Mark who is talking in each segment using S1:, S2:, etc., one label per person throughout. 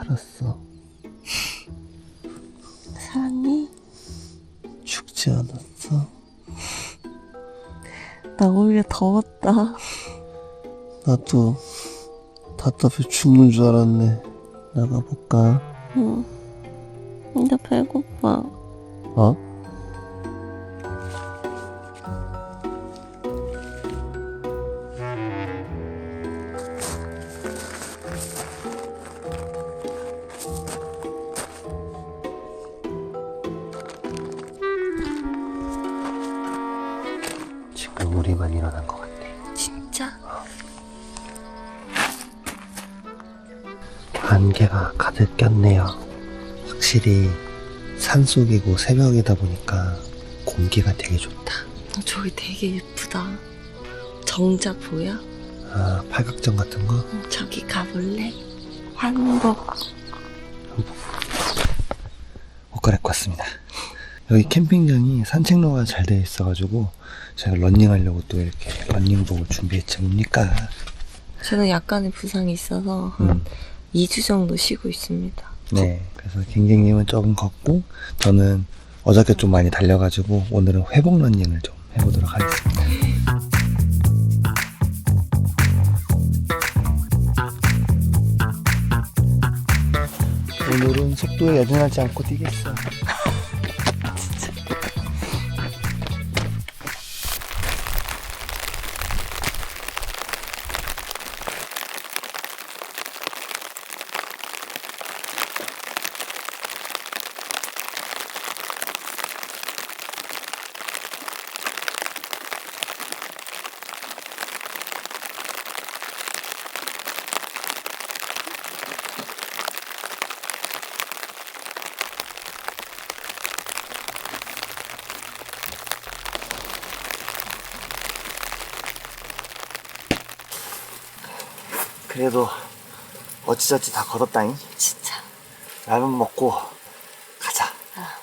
S1: 살았어.
S2: 살았니?
S1: 죽지 않았어.
S2: 나 오히려 더웠다.
S1: 나도 답답해 죽는 줄 알았네. 나가볼까?
S2: 응. 나 배고파.
S1: 어? 지금 우리만 일어난 것 같아.
S2: 진짜?
S1: 안개가 가득 꼈네요. 확실히 산속이고 새벽이다 보니까 공기가 되게 좋다.
S2: 저기 되게 예쁘다. 정자 보여?
S1: 아, 팔각정 같은 거?
S2: 저기 가볼래? 한복.
S1: 옷 갈아입고 왔습니다. 여기 캠핑장이 산책로가 잘 되어 있어가지고 제가 런닝하려고 또 이렇게 런닝복을 준비했지 뭡니까?
S2: 저는 약간의 부상이 있어서 한 2주 정도 쉬고 있습니다.
S1: 네, 그래서 갱갱님은 조금 걷고 저는 어저께 좀 많이 달려가지고 오늘은 회복 런닝을 좀 해보도록 하겠습니다. 오늘은 속도에 여전하지 않고 뛰겠어. 그래도 어찌저찌 다 걷었다잉.
S2: 진짜.
S1: 라면 먹고 가자.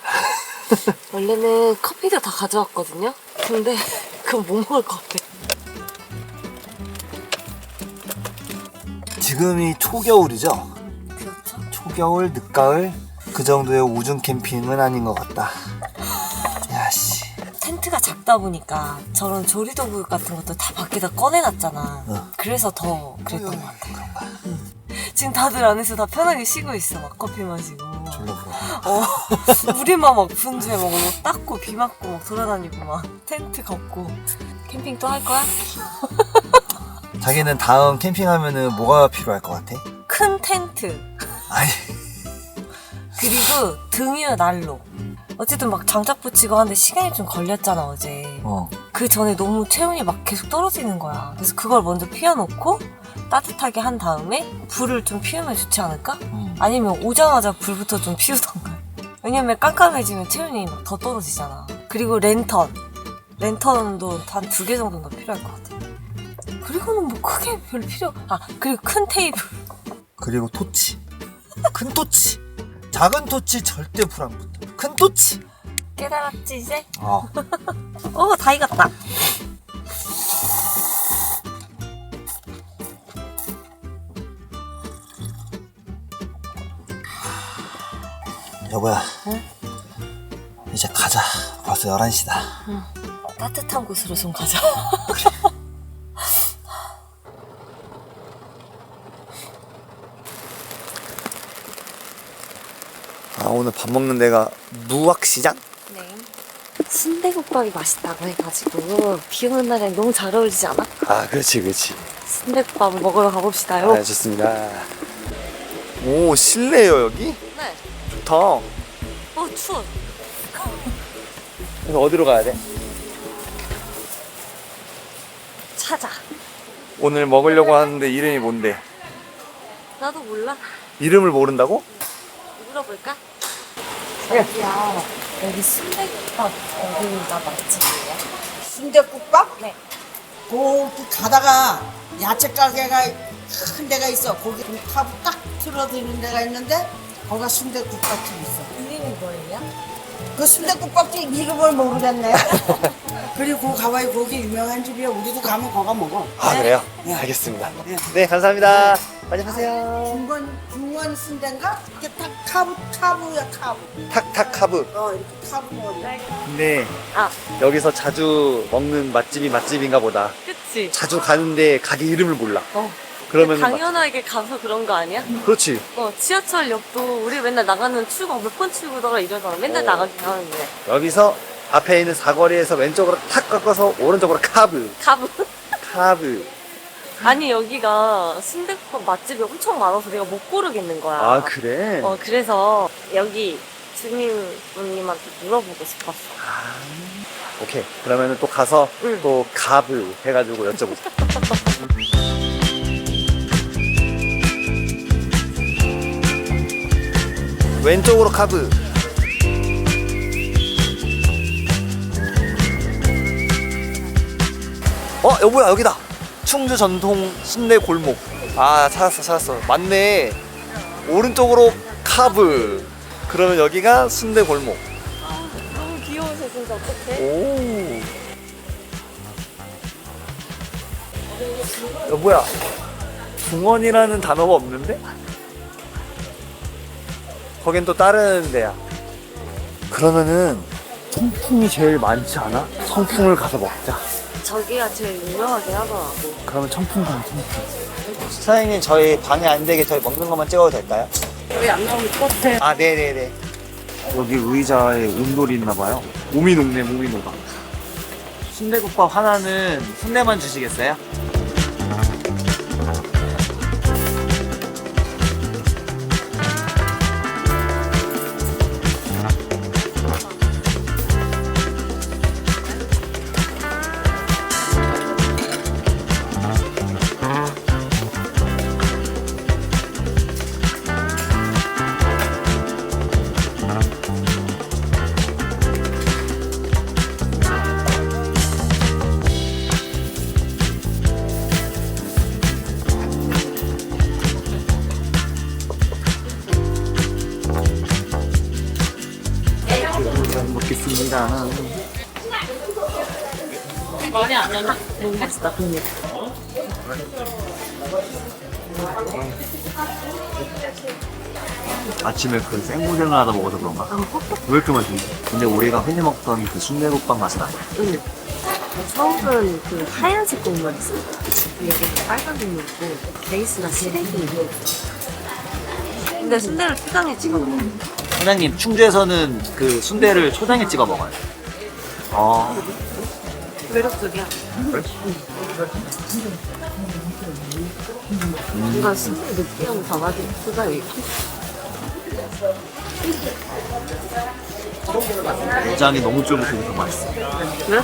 S2: 원래는 커피도 다 가져왔거든요? 근데 그건 못 먹을 것 같아.
S1: 지금이 초겨울이죠?
S2: 그렇죠?
S1: 초겨울, 늦가을 그 정도의 우중 캠핑은 아닌 것 같다. 야씨.
S2: 텐트가 작다 보니까 저런 조리도구 같은 것도 다 밖에다 꺼내놨잖아. 그래서 더 그랬던 것 같아.
S1: 그런가?
S2: 지금 다들 안에서 다 편하게 쉬고 있어. 막 커피 마시고.
S1: 졸라 부러워.
S2: 우리만 막 분주해. 막 옷 닦고 비 맞고 막 돌아다니고 막 텐트 걷고. 캠핑 또 할 거야?
S1: 자기는 다음 캠핑하면은 뭐가 필요할 것 같아?
S2: 큰 텐트.
S1: 아니.
S2: 그리고 등유 난로. 어쨌든 막 장작 붙이고 하는데 시간이 좀 걸렸잖아 어제. 그 전에 너무 체온이 막 계속 떨어지는 거야. 그래서 그걸 먼저 피워놓고 따뜻하게 한 다음에 불을 좀 피우면 좋지 않을까? 아니면 오자마자 불부터 좀 피우던가. 왜냐면 깜깜해지면 체온이 막 더 떨어지잖아. 그리고 랜턴도 한 2개 정도는 필요할 것 같아. 그리고는 뭐 크게 별로 그리고 큰 테이블.
S1: 그리고 토치. 큰 토치. 작은 토치 절대 불 안 붙어. 큰 토치.
S2: 깨달았지 이제?
S1: 다
S2: 익었다.
S1: 여보야.
S2: 응?
S1: 이제 가자. 벌써 11시다.
S2: 따뜻한 곳으로 좀 가자.
S1: 오늘 밥 먹는 데가 무학시장?
S2: 네. 순대국밥이 맛있다고 해가지고 비 오는 날엔 너무 잘 어울리지 않아?
S1: 그렇지.
S2: 순대국밥을 먹으러 가봅시다요.
S1: 좋습니다. 오, 실내요, 여기?
S2: 네.
S1: 좋다.
S2: 추워.
S1: 그래서 어디로 가야 돼?
S2: 찾아.
S1: 오늘 먹으려고 하는데 이름이 뭔데?
S2: 나도 몰라.
S1: 이름을 모른다고?
S2: 물어볼까? 저기요. 여기 순대국밥 어디가 맛집이에요?
S3: 순댓국밥?
S2: 네.
S3: 거기 가다가 야채 가게가 큰 데가 있어. 거기 타고 딱 틀어드는 데가 있는데 거기가 순댓국밥집 있어.
S2: 이름이 뭐예요?
S3: 그 순댓국밥집 이름을 모르겠네. 그리고 가봐야 거기 유명한 집이야. 우리도 가면 거가 먹어.
S1: 그래요?
S3: 네.
S1: 알겠습니다.
S3: 네.
S1: 네, 감사합니다. 빨리 하세요.
S3: 중원 순대인가? 이게 딱 카브야 카브.
S1: 탁탁 카브.
S3: 이렇게 카브 먹는데.
S1: 네.
S2: 아,
S1: 여기서 자주 먹는 맛집이 맛집인가 보다.
S2: 그치.
S1: 자주 가는데 가게 이름을 몰라.
S2: 어.
S1: 그러면
S2: 당연하게 가서 그런 거 아니야?
S1: 그렇지.
S2: 지하철역도 우리 맨날 나가는 출구 몇 번 출구다가 이러잖아. 맨날 나가긴 하는데.
S1: 여기서 앞에 있는 사거리에서 왼쪽으로 탁 꺾어서 오른쪽으로 카브.
S2: 가브.
S1: 카브.
S2: 아니, 여기가 순댓국 맛집이 엄청 많아서 내가 못 고르겠는 거야.
S1: 아, 그래?
S2: 그래서 여기 주민분님한테 물어보고 싶었어.
S1: 아, 오케이. 그러면은 또 가서
S2: 응.
S1: 또 카브 해가지고 여쭤보자. 왼쪽으로 카브. 여보야, 여기다. 충주 전통 순대 골목. 아, 찾았어. 맞네. 오른쪽으로 카브. 그러면 여기가 순대 골목.
S2: 너무 귀여우셔, 진짜. 어떡해?
S1: 오. 여보야, 중원이라는 단어가 없는데? 거긴 또 다른 데야. 그러면은 성풍이 제일 많지 않아? 성풍을 가서 먹자.
S2: 저기가 제일 유명하긴 하더라고.
S1: 그러면 청풍 가면 청풍. 사장님, 저희 방해 안 되게 저희 먹는 것만 찍어도 될까요?
S2: 여기 안 나오면 똑같아.
S1: 아, 네네네. 여기 의자에 온돌이 있나봐요. 몸이 녹네, 몸이 녹아. 순대국밥 하나는 순대만 주시겠어요? 잘 먹겠습니다.
S2: 많이 안 나나? 너무 맛있다, 근데.
S1: 아침에 그 생고생을 하다 먹어서 그런가? 왜 이렇게 맛있지? 근데 우리가 흔히 먹던 그 순대국밥 맛은 아니야.
S2: 응. 서울은 그 하얀색 국물 있어. 여기는 빨간 국물 있고, 베이스가 시래기. 근데 순대를 초장에 찍어 먹어.
S1: 사장님, 충주에서는 그 순대를 초장에 찍어 먹어요.
S2: 매력적이야.
S1: 그래?
S2: 뭔가 순대 느끼하고 담아진 초장이 있고.
S1: 내장이 너무 쫄깃해서 맛있어.
S2: 그래?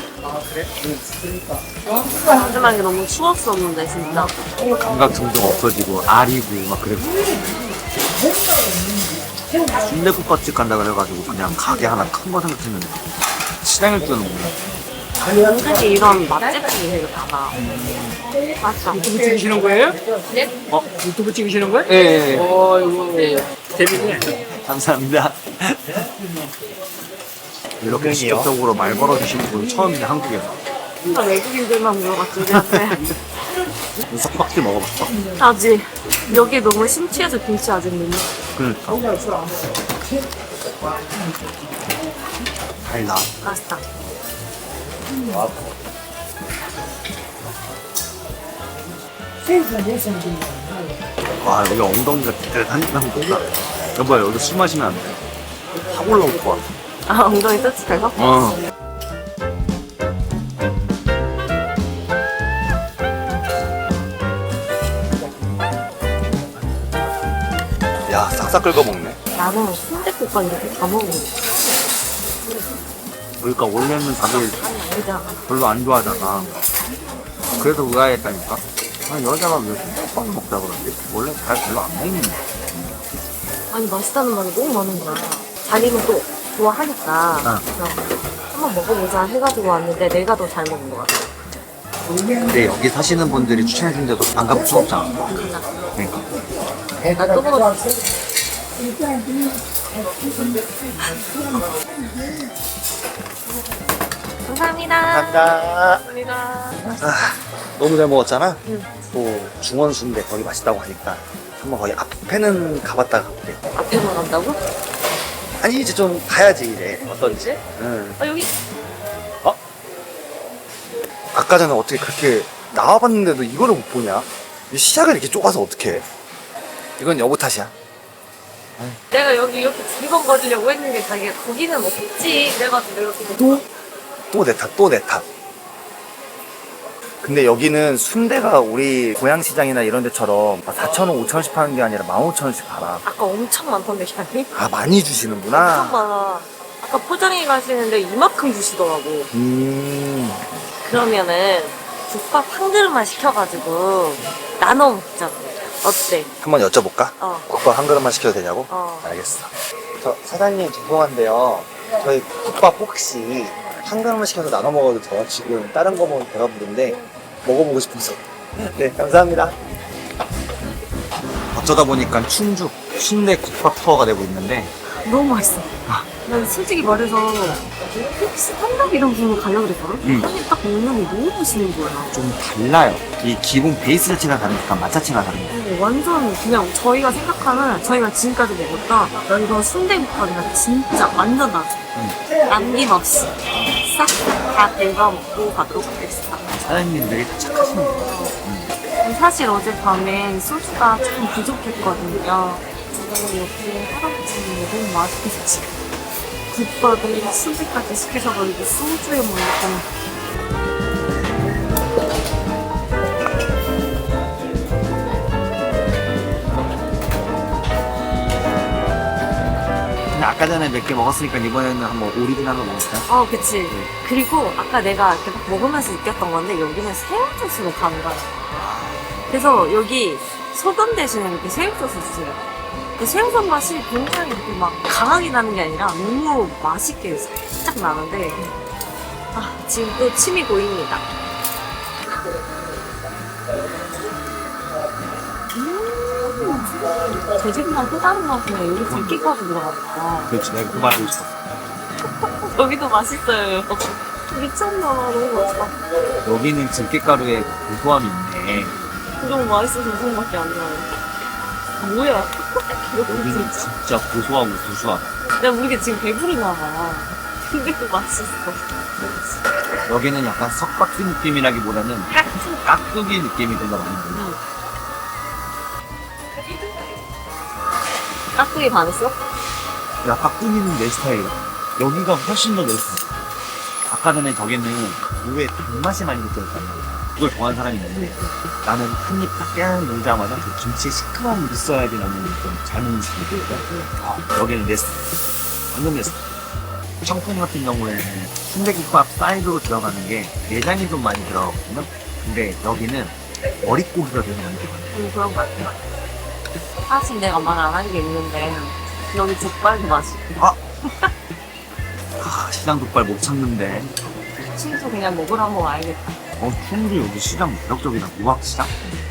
S2: 마지막에 너무 추웠었는데, 진짜.
S1: 감각 점점 없어지고 알이고 막 그래. 순대국밥집 간다 그래가지고 그냥 가게 하나 큰 거 생각했는데 시장을 뛰어넘네.
S2: 은근히 이런 맛집들이 되게 많아. 맞아.
S4: 유튜브 찍으시는 거예요?
S2: 네?
S4: 유튜브 찍으시는 거예요?
S1: 예.
S4: 이거 재밌네.
S1: 감사합니다. 이렇게 직접적으로 말 걸어주시는 분 처음이네, 한국에서.
S2: 진짜 외국인들만 물어봤지, 우리한테.
S1: 석박지 먹어봤어?
S2: 아직. 여기 너무 심취해서 김치 아직 못 먹어.
S1: 그러니까. 달다.
S2: 맛있다.
S1: 와, 여기 엉덩이가 뜨뜻한 곳이다. 여보야, 여기 술 마시면 안 돼. 확 올라올 것 같아.
S2: 아, 엉덩이 뜨뜻해서?
S1: 야, 싹싹 긁어 먹네.
S2: 나는 순댓국밥 이렇게 다 먹어.
S1: 그러니까 원래는 다들
S2: 아니잖아.
S1: 별로 안 좋아하잖아. 그래서 의아했다니까. 여자가 왜 순대국밥을 먹자 그러지? 원래 잘 별로 안 먹는데.
S2: 아니, 맛있다는 말이 너무 많은 거야. 자기는 또 좋아하니까. 그래서 한번 먹어보자 해가지고 왔는데 내가 더 잘 먹은 것 같아.
S1: 근데 여기 사시는 분들이 추천해준데도 안 가볼 수 없잖아. 그러니까.
S2: 나 또 먹어. 감사합니다.
S1: 감사합니다.
S2: 감사합니다.
S1: 너무 잘 먹었잖아?
S2: 응.
S1: 또 중원 순대 거기 맛있다고 하니까 한번 거기 앞에는 가봤다 갈게.
S2: 앞에만 간다고?
S1: 아니 이제 좀 가야지 이제 어떤지. 응.
S2: 아 여기
S1: 아까 전에 어떻게 그렇게 나와봤는데도 이거를 못 보냐? 이 시작을 이렇게 좁아서 어떡해? 이건 여보 탓이야.
S2: 내가 여기 이렇게 두리번거리려고 했는데 자기가 거기는 없지 그래가지고 내가
S1: 또 내 탓, 또 내 탓. 근데 여기는 순대가 우리 고양시장이나 이런 데처럼 4,000원, 5,000원씩 파는 게 아니라 15,000원씩 팔아.
S2: 아까 엄청 많던데 샤니?
S1: 아, 많이
S2: 엄청
S1: 주시는구나.
S2: 많아. 아까 포장해 가시는데 이만큼 주시더라고. 그러면은 국밥 한 그릇만 시켜가지고 나눠 먹자. 어때?
S1: 한번 여쭤볼까?
S2: 어.
S1: 국밥 한 그릇만 시켜도 되냐고?
S2: 어.
S1: 알겠어. 저 사장님 죄송한데요. 저희 국밥 혹시 한 그릇만 시켜서 나눠 먹어도 돼요? 지금 다른 거 먹으면 배가 부른데 먹어보고 싶어서. 네, 감사합니다. 어쩌다 보니까 충주 순대 국밥 투어가 되고 있는데
S2: 너무 맛있어. 난 솔직히 말해서 혹시 한답 이런 부분 가려고 그랬거든? 근데 딱 먹는 게 너무 맛있는 거야.
S1: 좀 달라요. 이 기본 베이스 자체가 다르니까 맛 자체가 다릅니다.
S2: 완전 그냥 저희가 생각하는 저희가 지금까지 먹었다 이거 순대국밥이랑 진짜 완전 나죠. 남김없이 싹싹 다 긁어 먹고 가도록 하겠습니다.
S1: 사장님 되게 착하십니다.
S2: 사실 어젯밤에 소주가 조금 부족했거든요. 저는 옆에 할아버지는 너무 맛있겠지. 국밥에 순대까지 시키셔가지고 소주에 먹는
S1: 근데 아까 전에 몇 개 먹었으니까 이번에는 한번 오리지널로 먹을까요?
S2: 그치. 그리고 아까 내가 이렇게 막 먹으면서 느꼈던 건데 여기는 새우젓으로 가는 거야. 그래서 여기 소금 대신에 이렇게 새우젓을 주세요. 그 새우젓 맛이 굉장히 이렇게 막 강하게 나는 게 아니라 너무 맛있게 살짝 나는데 지금 또 침이 고입니다. 제 집이랑 또 다른 맛이네. 여기 들깨가루 들어갔다.
S1: 그렇지, 내가 그 말하고 싶었어.
S2: 여기도 맛있어요. 미쳤나 봐. 너무 맛있다.
S1: 여기는 들깨가루에 고소함이 있네.
S2: 너무 맛있어서 무슨밖에 안 나요. 뭐야?
S1: 여기는 진짜 고소하고 구수하다.
S2: 내가 모르게 지금 배부르나 봐. 근데 또 맛있어.
S1: 여기는 약간 석박지 느낌이라기보다는 깍두기 느낌이 좀 더 많이 나요.
S2: 깍두기 반했어?
S1: 야, 깍두기는 내 스타일이야. 여기가 훨씬 더 내 스타일. 아까 전에 저기는 무에 단맛이 많이 느껴졌단 말이야. 그걸 좋아하는 사람이 있는데 나는 한 입 딱 깨물자마자 그 김치에 시큼한 물이 있어야지 나는 좀 잘 먹는 스타일이거든. 여기는 내 스타일. 완전 내 스타일. 청풍 같은 경우에는 순대국밥 사이드로 들어가는 게 내장이 좀 많이 들어가거든요. 근데 여기는 머릿고기가 들어가는 게 많아요.
S2: 그런 거 같아. 사실 내가 말 안 한 게 있는데 여기 족발도 맛있고
S1: 시장 족발 못 찾는데.
S2: 친구 그냥 먹으러 한번 와야겠다.
S1: 충주 여기 시장 매력적이다. 무학시장?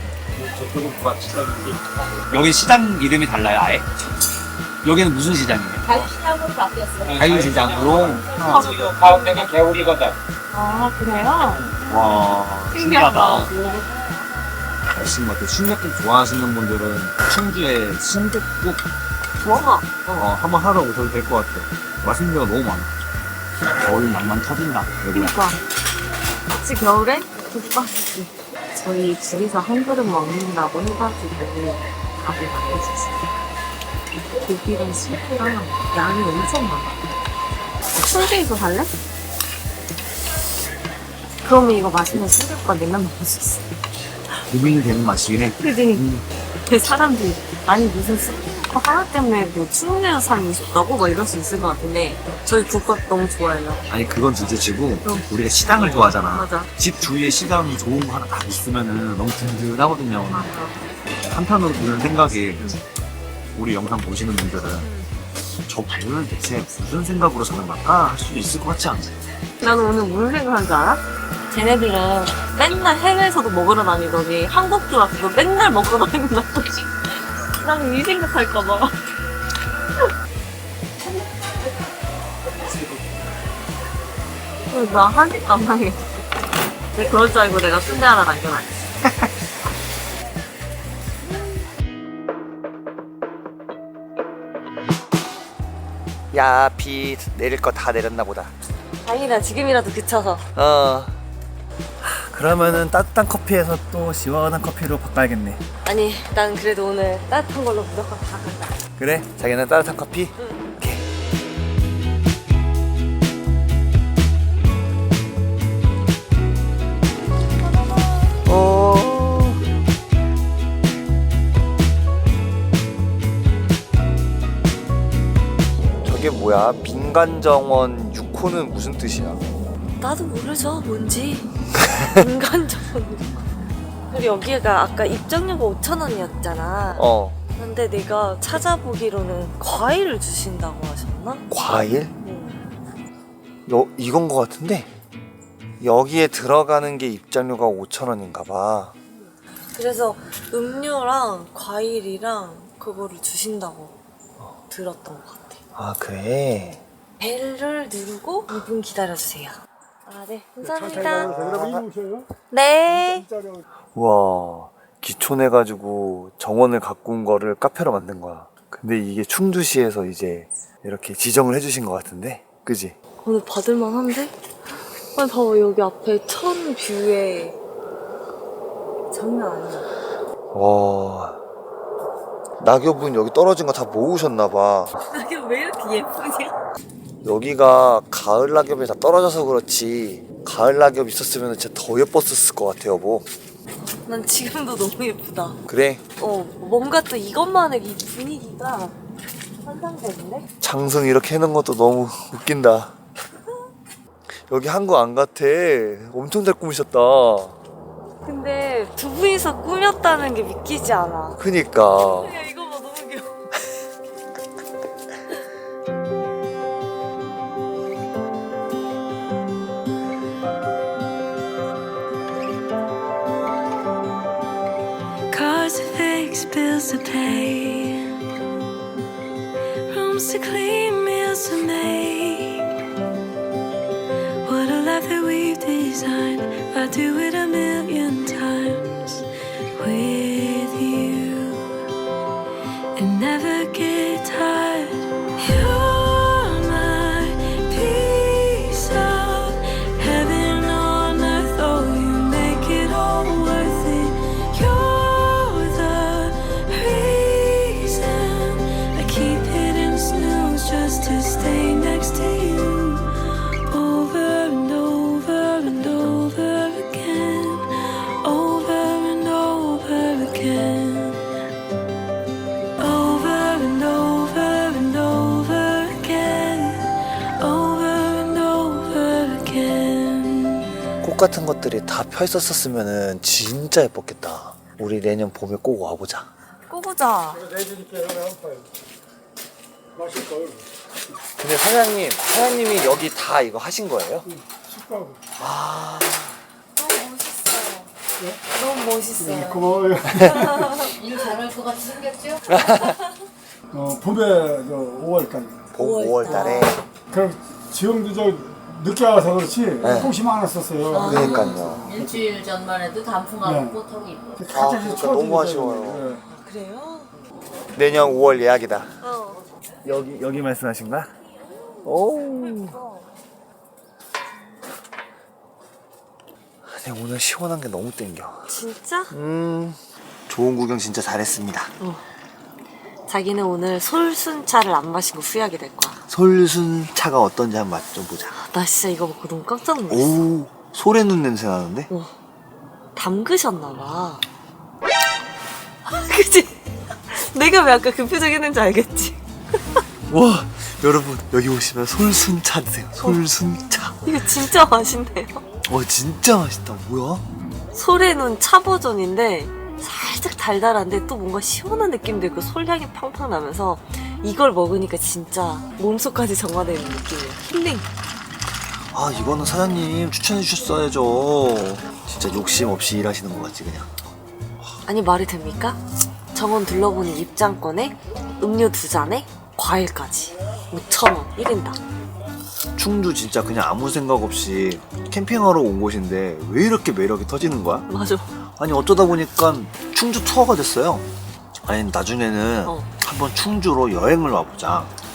S1: 여기 시장 이름이 달라요, 아예? 여기는 무슨 시장이에요?
S2: 갈치하고 바뀌었어요.
S1: 자유시장으로.
S4: 가운데가 개울이거든.
S2: 그래요?
S1: 와, 신기하다.
S2: 신기하다.
S1: 맛있는 것 같아요. 순댓국 좋아하시는 분들은 충주에 순댓국
S2: 좋아.
S1: 한번 하러 오셔도 될 것 같아요. 맛있는 데가 너무 많아. 겨울 낭만 터진다, 여기가.
S2: 그러니까 같이 겨울에 국밥집 저희 둘이서 한 그릇 먹는다고 해가지고 밥을 만들었어요. 고기랑 스프랑 양이 엄청 많아. 순대에서 살래? 그러면 이거 맛있는 순대국밥 내면 먹을 수 있어.
S1: 고민이 되는 맛이긴 해.
S2: 그지? 그 사람들이 아니 무슨 순대국밥 하나 때문에 뭐 충내에서 사는 게 있었다고 막 이럴 수 있을 것 같은데 저희 국밥 너무 좋아해요.
S1: 아니, 그건 둘째치고 우리가 시장을 좋아하잖아.
S2: 맞아.
S1: 집 주위에 시장 좋은 거 하나 딱 있으면은 너무 든든하거든요. 한편으로 드는 생각이 우리 영상 보시는 분들은 저 부부는 대체 무슨 생각으로 사는 걸까 할 수도 있을 것 같지 않아?
S2: 나는 오늘 무슨 생각한 줄 알아? 쟤네들은 맨날 해외에서도 먹으러 다니더니 한국 들어와서 맨날 먹으러 다닌다. 나는 이 생각할까봐. 나 한입 안 하게. 내가 그럴 줄 알고 내가 순대 하나 남겨놨지.
S5: 야, 비 내릴 거 다 내렸나 보다.
S2: 다행이다. 지금이라도 그쳐서.
S5: 그러면은 따뜻한 커피에서 또 시원한 커피로 바꿔야겠네.
S2: 아니, 난 그래도 오늘 따뜻한 걸로 무조건 다 간다.
S5: 그래? 자기는 따뜻한 커피? 오케이. 저게 뭐야? 민간정원 6호는 무슨 뜻이야?
S2: 나도 모르죠, 뭔지. 인간적으로. 그리고 여기가 아까 입장료가 5,000원이었잖아. 근데 내가 찾아보기로는 과일을 주신다고 하셨나?
S5: 과일?
S2: 응.
S5: 이건 거 같은데? 여기에 들어가는 게 입장료가 5,000원인가 봐.
S2: 그래서 음료랑 과일이랑 그거를 주신다고 들었던 것 같아.
S5: 아, 그래?
S2: 벨을 누르고 2분 기다려주세요. 아, 네. 감사합니다. 네.
S5: 우와, 기촌해가지고 정원을 가꾼 거를 카페로 만든 거야. 근데 이게 충주시에서 이제 이렇게 지정을 해주신 것 같은데? 그지?
S2: 오늘 받을만 한데? 아니, 봐봐. 여기 앞에 천 뷰에 장난 아니야.
S5: 와, 낙엽은 여기 떨어진 거 다 모으셨나봐.
S2: 이게 왜 이렇게 예쁘냐?
S5: 여기가 가을 낙엽이 다 떨어져서 그렇지 가을 낙엽 있었으면 진짜 더 예뻤을 것 같아, 여보.
S2: 난 지금도 너무 예쁘다.
S5: 그래?
S2: 뭔가 또 이것만의 이 분위기가 환상적인데?
S5: 장승 이렇게 해놓은 것도 너무 웃긴다. 여기 한국 안 같아. 엄청 잘 꾸미셨다.
S2: 근데 두 분이서 꾸몄다는 게 믿기지 않아.
S5: 그니까.
S2: 야, 이거 봐, 너무 귀여워.
S6: Cars to fix, bills to pay, rooms to clean, meals to make. What a life that we've designed. I'd do it a million times with you and never get tired. You're my piece of heaven on earth. Oh, you make it all worth it. You're the reason I keep hitting snooze just to stay next to you. Over and over and over again. Over and over again. Over and over and over again. Over and over again.
S5: 꽃 같은 것들이 다 펴 있었으면 진짜 예뻤겠다. 우리 내년 봄에 꼭 와보자.
S2: 꼬부자.
S5: 근데 사장님이 여기 다 이거 하신 거예요? 아,
S2: 너무 멋있어요.
S7: 고마워요.
S8: 일 잘할 것 같이 생겼죠?
S7: 봄에 5월까지.
S5: 봄
S2: 5월
S5: 5월 달에.
S7: 그럼 지금도 저 늦게 와서 그렇지
S5: 네.
S7: 꽃이 많았었어요.
S5: 그러니까요.
S8: 일주일 전만 해도 단풍하고
S7: 네.
S8: 꽃하고 이뻐.
S7: 갑자기
S5: 그러니까
S7: 추워지니까
S5: 너무 아쉬워요.
S7: 네.
S2: 그래요?
S5: 내년 5월 예약이다.
S2: 어.
S5: 여기 말씀하신 거야? 오. 근데 오늘 시원한 게 너무 땡겨.
S2: 진짜?
S5: 좋은 구경 진짜 잘했습니다.
S2: 자기는 오늘 솔순차를 안 마신 거 후회하게 될 거야.
S5: 솔순차가 어떤지 한번 맛 좀 보자.
S2: 나 진짜 이거 먹고 너무 깜짝 놀랐어.
S5: 오, 소래눈 냄새 나는데?
S2: 담그셨나봐. 그치? 내가 왜 아까 그 표정 했는지 알겠지?
S5: 와, 여러분 여기 오시면 솔순차 드세요. 솔순차.
S2: 이거 진짜 맛있네요.
S5: 와, 진짜 맛있다. 뭐야?
S2: 솔에는 차 버전인데 살짝 달달한데 또 뭔가 시원한 느낌도 있고 솔향이 팡팡 나면서 이걸 먹으니까 진짜 몸속까지 정화되는 느낌이에요. 힐링.
S5: 아, 이거는 사장님 추천해 주셨어야죠. 진짜 욕심 없이 일하시는 것 같지 그냥.
S2: 아니 말이 됩니까? 정원 둘러보는 입장권에 음료 2잔에 과일까지 5,000원 1인당.
S5: 충주 진짜 그냥 아무 생각 없이 캠핑하러 온 곳인데 왜 이렇게 매력이 터지는 거야?
S2: 맞아.
S5: 아니 어쩌다 보니까 충주 투어가 됐어요. 아니 나중에는
S2: 어.
S5: 한번 충주로 여행을 와보자.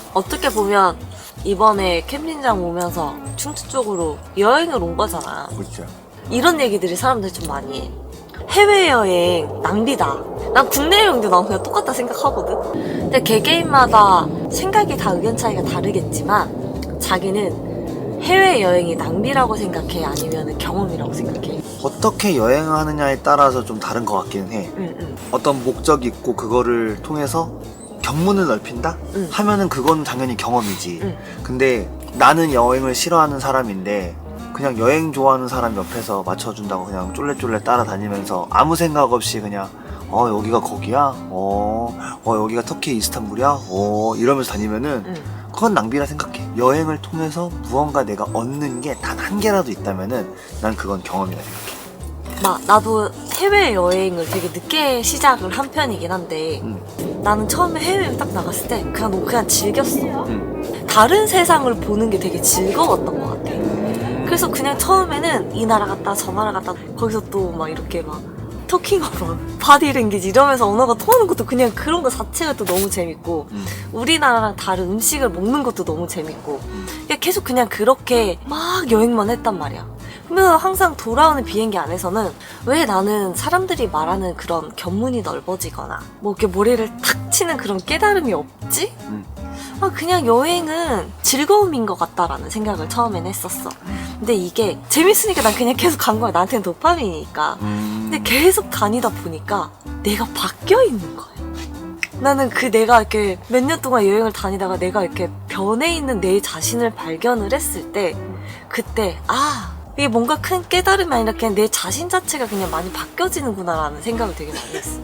S2: 어떻게 보면 이번에 캠핑장 오면서 충주 쪽으로 여행을 온 거잖아.
S5: 그렇죠.
S2: 이런 얘기들이 사람들이 좀 많이 해. 해외여행 낭비다. 난 국내 여행도 난 그냥 똑같다 생각하거든. 근데 개개인마다 생각이 다 의견 차이가 다르겠지만 자기는 해외여행이 낭비라고 생각해? 아니면 경험이라고 생각해?
S5: 어떻게 여행하느냐에 따라서 좀 다른 것 같기는 해.
S2: 응.
S5: 어떤 목적이 있고 그거를 통해서 견문을 넓힌다?
S2: 응.
S5: 하면은 그건 당연히 경험이지.
S2: 응.
S5: 근데 나는 여행을 싫어하는 사람인데 그냥 여행 좋아하는 사람 옆에서 맞춰준다고 그냥 쫄래쫄래 따라다니면서 아무 생각 없이 그냥 여기가 거기야? 여기가 터키 이스탄불이야? 이러면서 다니면은
S2: 응.
S5: 그건 낭비라 생각해. 여행을 통해서 무언가 내가 얻는 게 단 한 개라도 있다면은 난 그건 경험이라 생각해.
S2: 나도 해외여행을 되게 늦게 시작을 한 편이긴 한데 나는 처음에 해외여행 딱 나갔을 때 그냥 즐겼어. 다른 세상을 보는 게 되게 즐거웠던 것 같아. 그래서 그냥 처음에는 이 나라 갔다 저 나라 갔다 거기서 또 막 이렇게 막 토킹어로 바디랭귀지 이러면서 언어가 통하는 것도 그냥 그런 거 자체가 또 너무 재밌고 우리나라랑 다른 음식을 먹는 것도 너무 재밌고 계속 그냥 그렇게 막 여행만 했단 말이야. 그러면서 항상 돌아오는 비행기 안에서는 왜 나는 사람들이 말하는 그런 견문이 넓어지거나 뭐 이렇게 머리를 탁 치는 그런 깨달음이 없지? 그냥 여행은 즐거움인 것 같다라는 생각을 처음엔 했었어. 근데 이게 재밌으니까 난 그냥 계속 간 거야. 나한테는 도파민이니까. 근데 계속 다니다 보니까 내가 바뀌어 있는 거야. 나는 내가 이렇게 몇 년 동안 여행을 다니다가 내가 이렇게 변해 있는 내 자신을 발견을 했을 때 그때 이게 뭔가 큰 깨달음이 아니라 그냥 내 자신 자체가 그냥 많이 바뀌어지는구나라는 생각을 되게 많이 했어.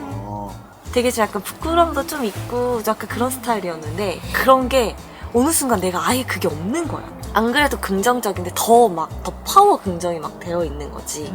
S2: 되게 좀 약간 부끄러움도 좀 있고 약간 그런 스타일이었는데 그런 게 어느 순간 내가 아예 그게 없는 거야. 안 그래도 긍정적인데 더 파워 긍정이 막 되어 있는 거지.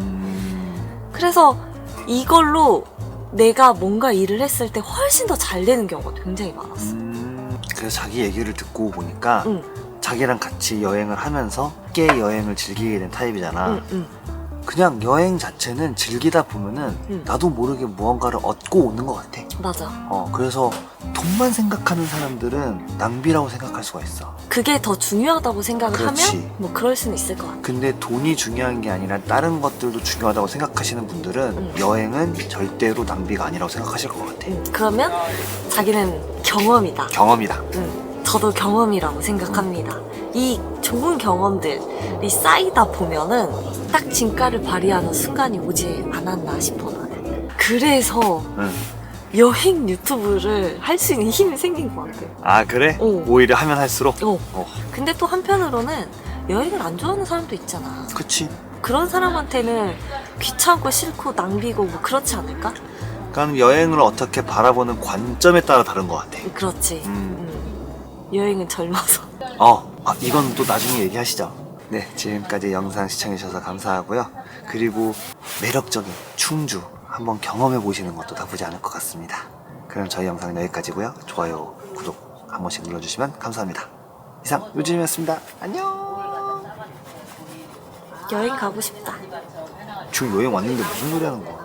S2: 그래서 이걸로 내가 뭔가 일을 했을 때 훨씬 더 잘 되는 경우가 굉장히 많았어.
S5: 그래서 자기 얘기를 듣고 보니까 자기랑 같이 여행을 하면서 함께 여행을 즐기게 된 타입이잖아. 그냥 여행 자체는 즐기다 보면은 나도 모르게 무언가를 얻고 오는 것 같아.
S2: 맞아.
S5: 그래서 돈만 생각하는 사람들은 낭비라고 생각할 수가 있어.
S2: 그게 더 중요하다고 생각을
S5: 그렇지.
S2: 하면 뭐 그럴 수는 있을 것 같아.
S5: 근데 돈이 중요한 게 아니라 다른 것들도 중요하다고 생각하시는 분들은 여행은 절대로 낭비가 아니라고 생각하실 것 같아.
S2: 그러면 자기는 경험이다.
S5: 경험이다.
S2: 저도 경험이라고 생각합니다. 이 좋은 경험들이 쌓이다 보면은 딱 진가를 발휘하는 순간이 오지 않았나 싶어 나는. 그래서 여행 유튜브를 할 수 있는 힘이 생긴 것 같아.
S5: 그래?
S2: 어.
S5: 오히려 하면 할수록?
S2: 근데 또 한편으로는 여행을 안 좋아하는 사람도 있잖아.
S5: 그치.
S2: 그런 사람한테는 귀찮고 싫고 낭비고 뭐 그렇지 않을까?
S5: 그러니까 여행을 어떻게 바라보는 관점에 따라 다른 것 같아.
S2: 그렇지. 여행은 젊어서.
S5: 이건 또 나중에 얘기하시죠. 네, 지금까지 영상 시청해주셔서 감사하고요. 그리고 매력적인 충주 한번 경험해 보시는 것도 나쁘지 않을 것 같습니다. 그럼 저희 영상은 여기까지고요. 좋아요, 구독 한 번씩 눌러주시면 감사합니다. 이상 요즘이었습니다. 안녕.
S2: 여행 가고 싶다.
S5: 지금 여행 왔는데 무슨 소리 하는 거야?